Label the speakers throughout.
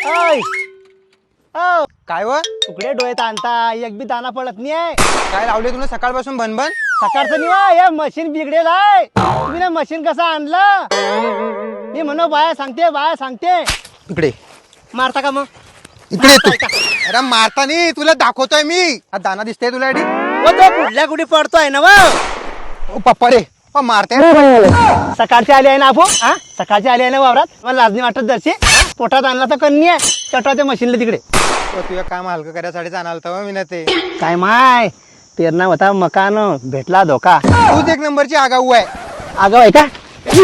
Speaker 1: ओय ओ
Speaker 2: काय व
Speaker 1: तुकडे डोळे ताणता एक बी दाना पडत नाही.
Speaker 2: काय लावले तुला सकाळपासून बनबन?
Speaker 1: सकाळचं निवा हे मशीन बिघडेल आहे. तुम्ही ना मशीन कसं आणलं? मी म्हणू बाया सांगते
Speaker 2: इकडे
Speaker 1: मारता का मग?
Speaker 2: इकडे तू. अरे मारता नाही, तुला दाखवतोय मी. हा दाना दिसतोय तुला एडी?
Speaker 1: ओ तो कुठल्या कुठे पडतोय ना
Speaker 2: ओ पप्पा रे, मारते.
Speaker 1: सकाळची आली आहे ना आपो. हा सकाळची आली आहे ना वावरात. मला लाजणी वाटत जरशी पोटात आणला तर कन्नी आहे चटवाच्या मशीनला तिकडे.
Speaker 2: तुझं काम हलकं करायसाठी आणाल तर मी ना ते.
Speaker 1: काय माय पेरणा होता मकान भेटला धोका.
Speaker 2: तूच एक नंबरची आगाऊ आहे.
Speaker 1: आगाव आहे का?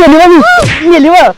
Speaker 1: मेली व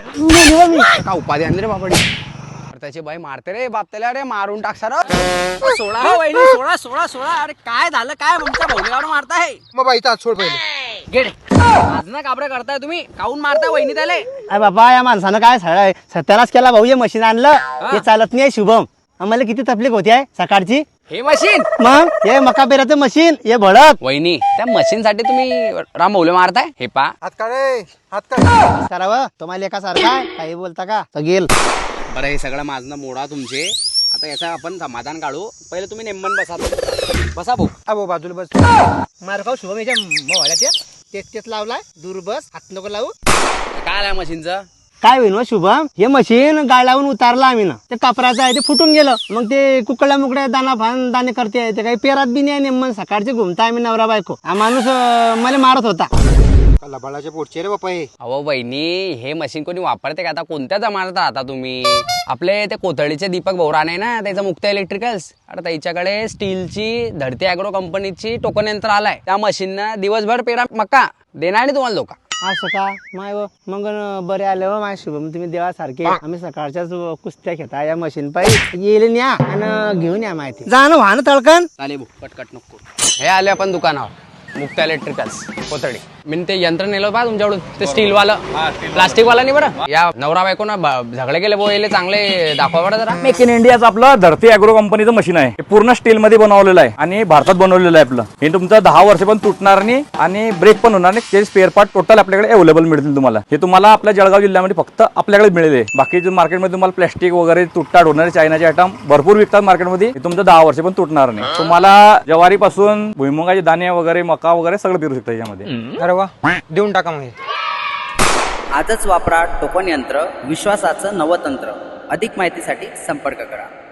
Speaker 1: मी.
Speaker 2: का उपाधी आणली रे बापडी?
Speaker 3: त्याची बाई मारते रे बाप त्याला. अरे मारून टाक सर. सोळा हो वहिनी, सोळा. अरे काय झालं? काय तुमच्या भोवल्यावर मारताय?
Speaker 2: मग बाईचा हात सोड पहिले.
Speaker 3: गेडे आज ना काबरे करताय तुम्ही. काऊन मारताय वहिनी त्याला?
Speaker 1: अरे बाबा या माणसानं काय सत्यानाश केला भाऊ. हे मशीन आणलं हे चालत नाही शुभम. आम्हाला किती तकलीफ होती आहे सकाळची.
Speaker 3: हे मशीन
Speaker 1: मग हे मका पेराचं मशीन हे भडक
Speaker 3: वहिनी त्या मशीन साठी तुम्ही राम भोवले मारताय? हे पा
Speaker 2: हात काढे, हात काढ.
Speaker 1: करावं तुम्हाला एका सारखा काही बोलता का सगेल.
Speaker 3: बरं हे सगळं माझं मोडा तुमचे. आता याचा आपण समाधान काढू. पहिले तुम्ही नेमन बसा भाऊ.
Speaker 2: अबो बाजूला बस.
Speaker 1: मार खाऊ शुभम याच्या मोहळ्यात तेच लावलाय. दूर बस हात नको लावू.
Speaker 3: काय आलाय मशीनचं?
Speaker 1: काय होईल शुभम हे मशीन गाळ लावून उतारलं आम्ही ना. ते कपराचं आहे ते फुटून गेलं. मग ते कुकडल्या मुकड्या दाना फान दाणे करते ते काही पेरात बी नाही. नेमन सकाळचे घुमता आम्ही नवरा बायको. हा माणूस मला मारत होता.
Speaker 2: लबाडाच्या पोटचे रे बापा हे.
Speaker 3: अहो बहिणी हे मशीन कोणी वापरते का? आता कोणत्या जमान्यात राहता तुम्ही? आपले ते कोथळीचे दीपक भोवराने ना त्याचं मुक्त इलेक्ट्रिकल्स. आता त्याच्याकडे स्टीलची धरती अॅग्रो कंपनीची टोकन यंत्र आलाय. त्या मशीननं दिवसभर पेरा मक्का देणार नाही तुम्हाला लोक.
Speaker 1: असं का माय व मग बरे आले व माय शुभम तुम्ही देवासारखे. आम्ही सकाळच्याच कुस्त्या घेता या मशीन पाहिजे येईल न्या आणि घेऊन या माहिती जा ना वाहन तळकन.
Speaker 3: चालेल भाऊ कटकट नको. हे आले आपण दुकानावर मुक्त इलेक्ट्रिकल्स कोथळी. मी ते यंत्र नेलं पा तुमच्याकडून ते स्टील वाला प्लास्टिक वाला नाही बरं. या नवरा बायको ना झगडे गेले बोले चांगले दाखवा बरं जरा.
Speaker 4: मेक इन इंडियाचं आपलं धरती अॅग्रो कंपनीचं मशीन आहे. हे पूर्ण स्टील मध्ये बनवलेलं आहे आणि भारतात बनवलेलं आहे आपलं. हे तुमचं 10 वर्ष पण तुटणार नाही आणि ब्रेक पण होणार नाही. ते स्पेअर पार्ट टोटल आपल्याकडे अवेलेबल मिळतील तुम्हाला. हे तुम्हाला आपल्या जळगाव जिल्ह्यामध्ये फक्त आपल्याकडे मिळेल. बाकी मार्केटमध्ये तुम्हाला प्लास्टिक वगैरे तुटताट होणारे चायनाचे आयटम भरपूर विकतात मार्केटमध्ये. हे तुमचं 10 वर्ष पण तुटणार नाही. तुम्हाला ज्वारीपासून भुईमुगाचे दाणे वगैरे मका वगैरे सगळं पेरू शकता यामध्ये.
Speaker 2: अरे वा, देऊन टाका मग हे.
Speaker 5: आजच वापरा टोकन यंत्र, विश्वासाचं नवतंत्र. अधिक माहितीसाठी संपर्क करा.